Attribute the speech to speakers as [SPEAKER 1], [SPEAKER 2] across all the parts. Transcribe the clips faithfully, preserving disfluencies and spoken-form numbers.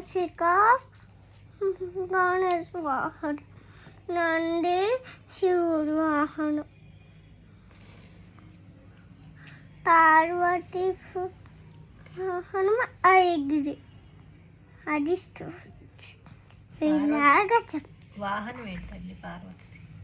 [SPEAKER 1] మూషిక గణేష్ వాహనం, నంది శివుడు వాహనం, పార్వతి వాహనం ఐగిరి. అది స్టోరీ. ఇలాగా చెప్
[SPEAKER 2] వాహనం ఏంటండి పార్వతి?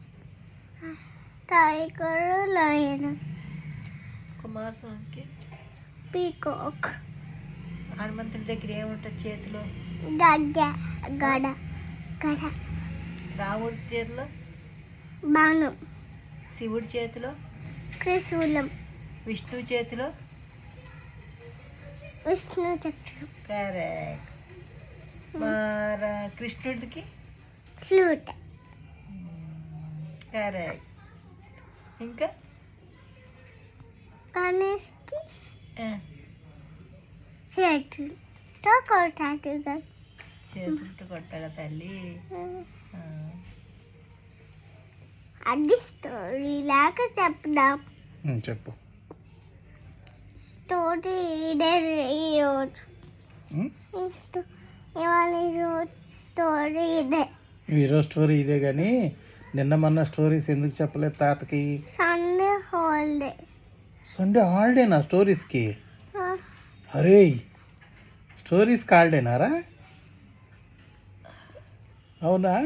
[SPEAKER 1] Tiger, lion.
[SPEAKER 2] కుమారస్వామికి
[SPEAKER 1] పీకాక్.
[SPEAKER 2] హనుమంతుడి దగ్గర ఏముంటుంది చేతిలో?
[SPEAKER 1] గడ్డ గడ గడ.
[SPEAKER 2] రాముడి చేతిలో
[SPEAKER 1] బాణం.
[SPEAKER 2] శివుడి చేతిలో
[SPEAKER 1] త్రిశూలం.
[SPEAKER 2] విష్ణువు చేతిలో
[SPEAKER 1] విష్ణు చక్రం.
[SPEAKER 2] కరెక్ట్. మరి కృష్ణుడికి
[SPEAKER 1] ఫ్లూట్.
[SPEAKER 2] కరెక్ట్. ఇంకా
[SPEAKER 1] గణేష్కి
[SPEAKER 2] ఆ,
[SPEAKER 1] చేతులతో కొట్టాడు కదా.
[SPEAKER 2] చేతులతో కొట్టాడా తల్లి? ఆ,
[SPEAKER 1] అది స్టోరీ లాగా చెప్దాం.
[SPEAKER 3] ఉమ్, చెప్పు.
[SPEAKER 1] స్టోరీ ఇదే ఈరోజు.
[SPEAKER 3] ఉమ్,
[SPEAKER 1] ఈ స్టో- ఇవాళ ఈరోజు స్టోరీ ఇదే.
[SPEAKER 3] ఈరోజు స్టోరీ ఇదే కానీ నిన్న మొన్న స్టోరీస్ ఎందుకు చెప్పలేదు తాతకి?
[SPEAKER 1] Sunday holiday.
[SPEAKER 3] సండే హాలిడేనా స్టోరీస్కి? అరే స్టోరీస్కి హాలిడేనారా? అవునా?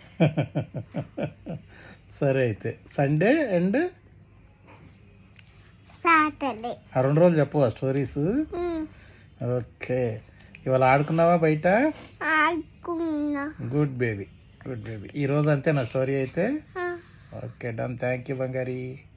[SPEAKER 3] సరే అయితే సండే అండ్
[SPEAKER 1] సాటర్డే
[SPEAKER 3] ఆ రెండు రోజులు చెప్పవా స్టోరీస్? ఓకే. ఇవాళ ఆడుకున్నావా బయట?
[SPEAKER 1] ఆడుకున్నా.
[SPEAKER 3] Good baby, good baby. ఈరోజు అంతే నా స్టోరీ అయితే. Okay done. Thank you బంగారీ.